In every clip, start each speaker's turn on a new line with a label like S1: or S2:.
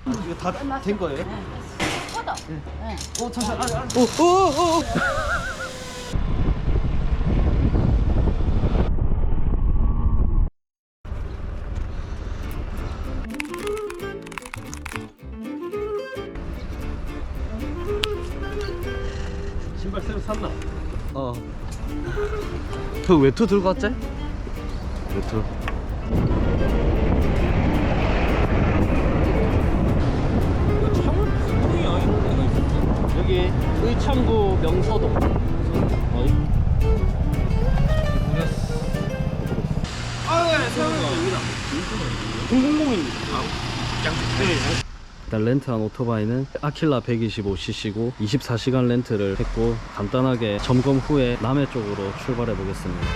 S1: 이거 다 된 거예요?
S2: 뻗어. 네.
S1: 잠시만.
S3: 신발 새로 샀나?
S1: 그 외투 들고 왔지? 외투.
S3: 창원 무슨 이런 데가 있었지?
S1: 여기 의창구 명서동.
S3: 네, 세영이가 여기다.
S1: 000입니다. 일단 렌트한 오토바이는 아킬라 125cc고 24시간 렌트를 했고 간단하게 점검 후에 남해 쪽으로 출발해 보겠습니다.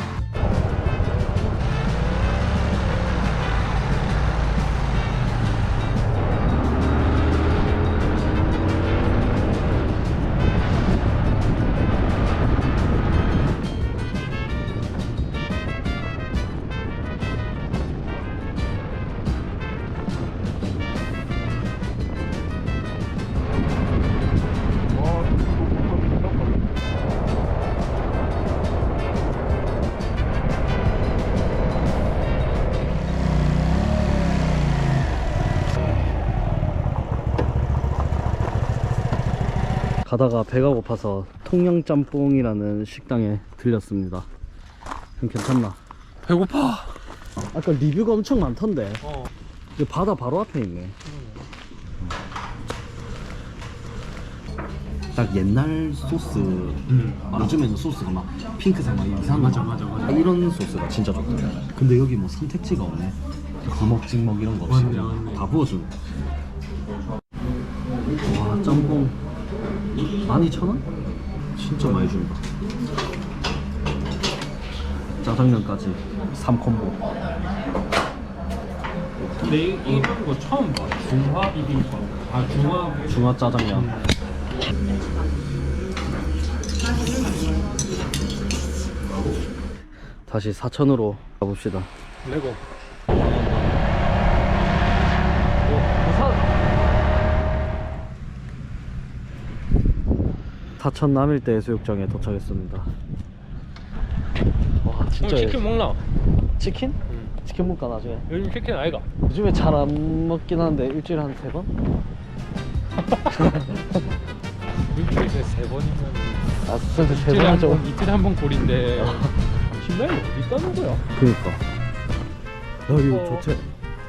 S1: 가다가 배가 고파서 통영짬뽕이라는 식당에 들렸습니다. 형 괜찮나?
S3: 배고파.
S1: 아까 리뷰가 엄청 많던데.
S3: 어.
S1: 이거 바다 바로 앞에 있네. 딱 옛날 소스. 요즘에는 소스가 막 핑크색 막 이상한
S3: 맞아.
S1: 이런 소스가 진짜 좋다. 근데 여기 뭐 선택지가 없네. 구먹 찍먹 이런 거 없이
S3: 맞네,
S1: 그냥
S3: 맞네.
S1: 다 부어주네. 와, 짬뽕 12,000원? 진짜 많이 준다. 짜장면까지 3콤보.
S3: 근데 이런 거 처음 봐. 중화 비빔밥. 중화.
S1: 중화 짜장면. 다시 사천으로 가봅시다.
S3: 레고.
S1: 사천 남일대 해수욕장에 도착했습니다. 와 진짜
S3: 치킨 먹나?
S1: 치킨? 치킨 먹까 나중에.
S3: 요즘 치킨 아이가?
S1: 요즘에 잘 안 먹긴 하는데 일주일에 한 3번?
S3: 일주일에 3번이면
S1: 아 진짜 3번 하죠.
S3: 이틀에 한 번 꼴인데 신발이 어디 있다는 거야?
S1: 그니까 야 이거 좋지.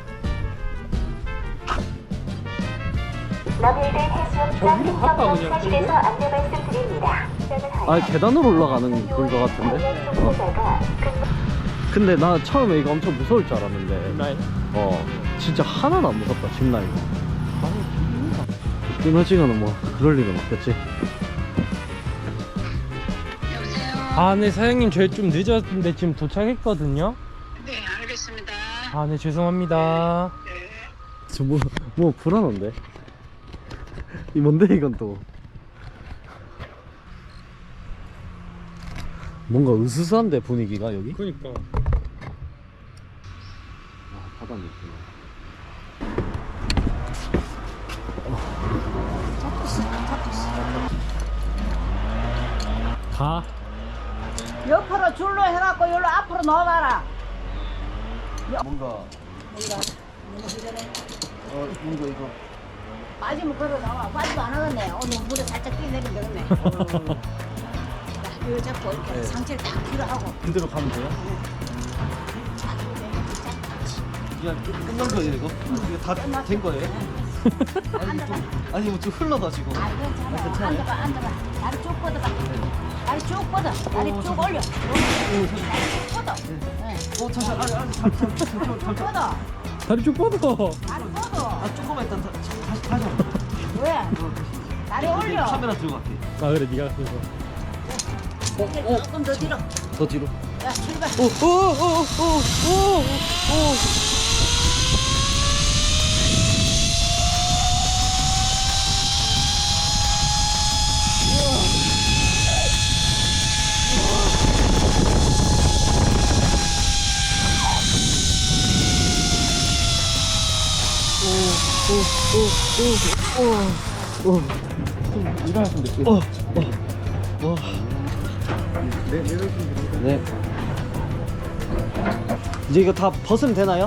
S4: 남일대 해수욕장
S3: 갔다
S4: 행정동
S3: 그냥
S4: 사실에서 안내 말씀드립니다.
S1: 아 계단으로 올라가는 그런 거 같은데. 근데 나 처음에 이거 엄청 무서울 줄 알았는데
S3: 라인.
S1: 진짜 하나도 안 무섭다. 짚라인 끊어지거나 뭐 그럴 일은 없겠지.
S3: 아, 네 사장님 저희 좀 늦었는데 지금 도착했거든요.
S5: 네, 알겠습니다.
S3: 아, 네 죄송합니다.
S1: 저 뭐 불안한데. 이 뭔데 이건 또 뭔가 으스스한데 분위기가 여기.
S3: 그러니까.
S1: 아 바다 느낌.
S3: 가.
S2: 옆으로 줄로 해갖고 여기로 앞으로 넣어봐라.
S1: 뭔가 뭔가 이거
S2: 빠지면 걸어 나와. 빠지도 안 하겠네. 오늘 물에 살짝 뛰어내리면 되겠네. 이거 잡고 이렇게 상체를 딱 뒤로 하고.
S1: 그대로 가면 돼요? 그냥 끝난 거예요 이거? 이거 다 된 거예요? 아니 뭐 좀 흘러가지고.
S2: 아, 괜찮아. 앉아봐, 앉아봐. 다리 쭉 뻗어봐. 다리 쭉 뻗어. 다리 쭉 올려. 다리 쭉 뻗어. 네.
S1: 잠시만
S2: 쭉 뻗어.
S3: 다리 쭉 뻗어.
S2: 다리 뻗어.
S1: 조금만 일단 다시 한번.
S2: 왜? 다리 올려.
S1: 카메라 들고 갈게.
S3: 아 그래 네가 그래서.
S2: 조금 더 뒤로.
S1: 더 뒤로.
S2: 야, 출발.
S1: 오오오오오오 오.
S3: 일어났으면 됐지.
S1: 네. 이제 이거 다 벗으면 되나요?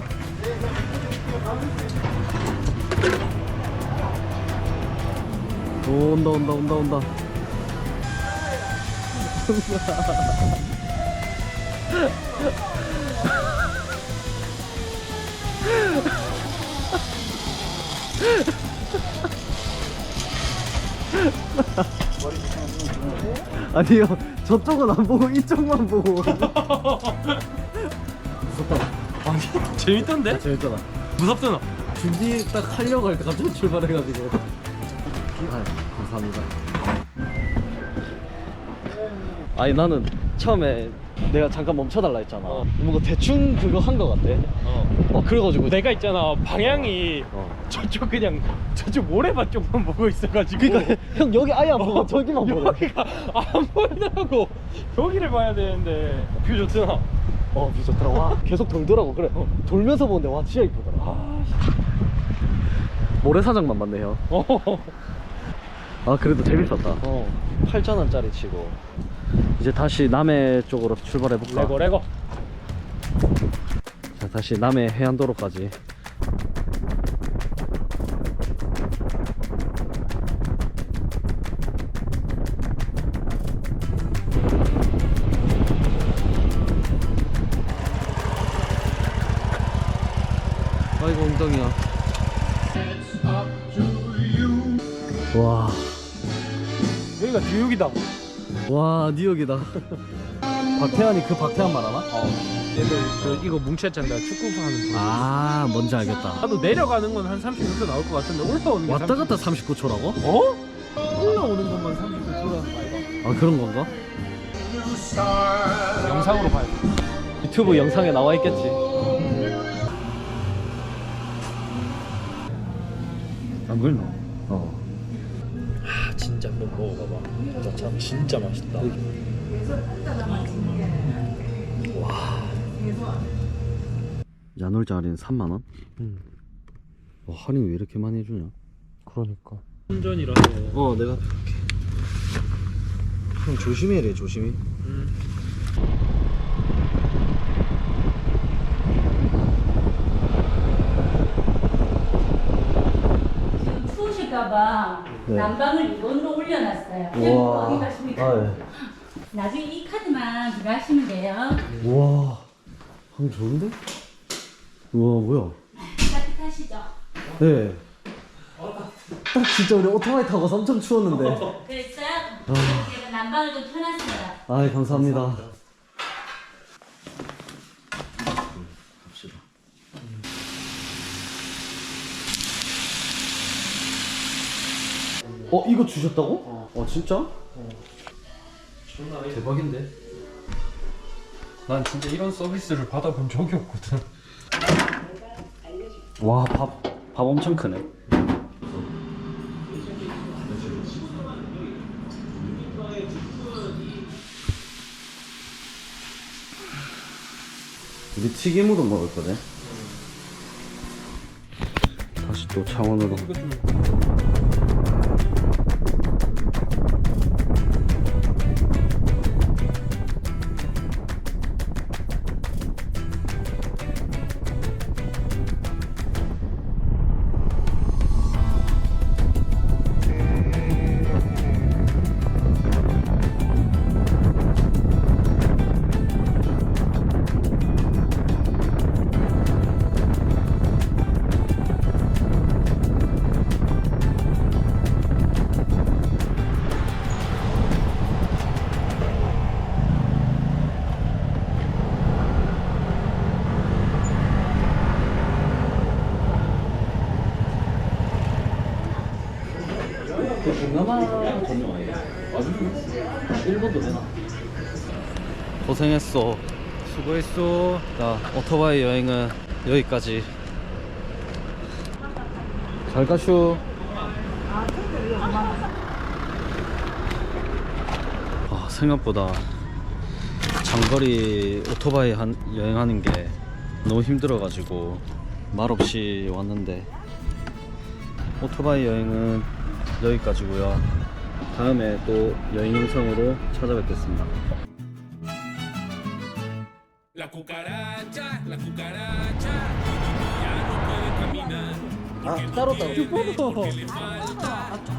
S1: 오, 온다. 아니요, 저쪽은 안 보고 이쪽만 보고. 무섭다.
S3: 아니 재밌던데?
S1: 재밌잖아.
S3: 무섭잖아.
S1: 준비 딱 하려고 할 때 갑자기 출발해가지고. 아, 감사합니다. 아니 나는 처음에 내가 잠깐 멈춰달라 했잖아. 뭔가 대충 그거 한 거 같아. 그래가지고
S3: 내가 있잖아 방향이 저쪽 그냥 저쪽 모래밭 쪽만 보고 있어가지고.
S1: 그러니까 형 여기 아예 안 보고 저기만 보고.
S3: 여기가 안 보이더라고. 여기를 봐야 되는데 뷰 좋잖아.
S1: 뷰 좋더라. 와 계속 돌더라고. 그래 돌면서 보는데 와 진짜 이쁘더라. 모래사장만 맞네 형. 아 그래도 재밌었다. 8,000원짜리 치고 이제 다시 남해 쪽으로 출발해볼까?
S3: 레고
S1: 자, 다시 남해 해안도로까지. 아이고 엉덩이야. 와,
S3: 여기가 뉴욕이다.
S1: 와 뉴욕이다. 박태환이 그 박태환 말하나?
S3: 얘들 이거 뭉쳤잖아. 축구 하는 거.
S1: 아 뭔지 알겠다.
S3: 나도 내려가는 건 한 30분 나올 것 같은데 올라오는 게
S1: 왔다 갔다 39초라고?
S3: 올라오는 것만 30분라는 거 아이가?
S1: 아 그런 건가?
S3: 영상으로 봐야 돼.
S1: 유튜브 영상에 나와 있겠지. 안 그랬나?
S3: 진짜 한번 먹어봐봐. 참 진짜 맛있다.
S1: 야놀자 할인 3만원? 와 할인 왜 이렇게 많이 해주냐?
S3: 그러니까. 운전이라서.
S1: 내가 이렇게. 형 조심해야 돼 조심히.
S2: 지금 추우실까봐
S1: 네.
S2: 난방을 2번으로 올려놨어요.
S1: 우와.
S2: 어디 가십니까?
S1: 예.
S2: 나중에 이 카드만 들어가시면 돼요.
S1: 우와 방 좋은데? 우와 뭐야?
S2: 따뜻하시죠?
S1: 네. 딱 진짜 우리 오토바이 타고 엄청 추웠는데.
S2: 그랬어요? 제가 난방을 좀 켜놨습니다.
S1: 아 감사합니다. 갑시다. 이거 주셨다고? 진짜? 대박인데?
S3: 난 진짜 이런 서비스를 받아본 적이 없거든.
S1: 와, 밥 엄청 크네. 우리 튀김으로 먹을 거네. 다시 또 창원으로.
S3: 이거 좀
S1: 동남아 전용 아니야? 일본도 되나? 고생했어.
S3: 수고했어.
S1: 자, 오토바이 여행은 여기까지. 잘 가슈. 생각보다 장거리 오토바이 여행하는 게 너무 힘들어가지고 말없이 왔는데 오토바이 여행은 여기까지고요. 다음에 또 여행 영상으로 찾아뵙겠습니다.
S5: La cucaracha, ya no puede caminar.
S1: 따로 따로.
S5: Porque le falta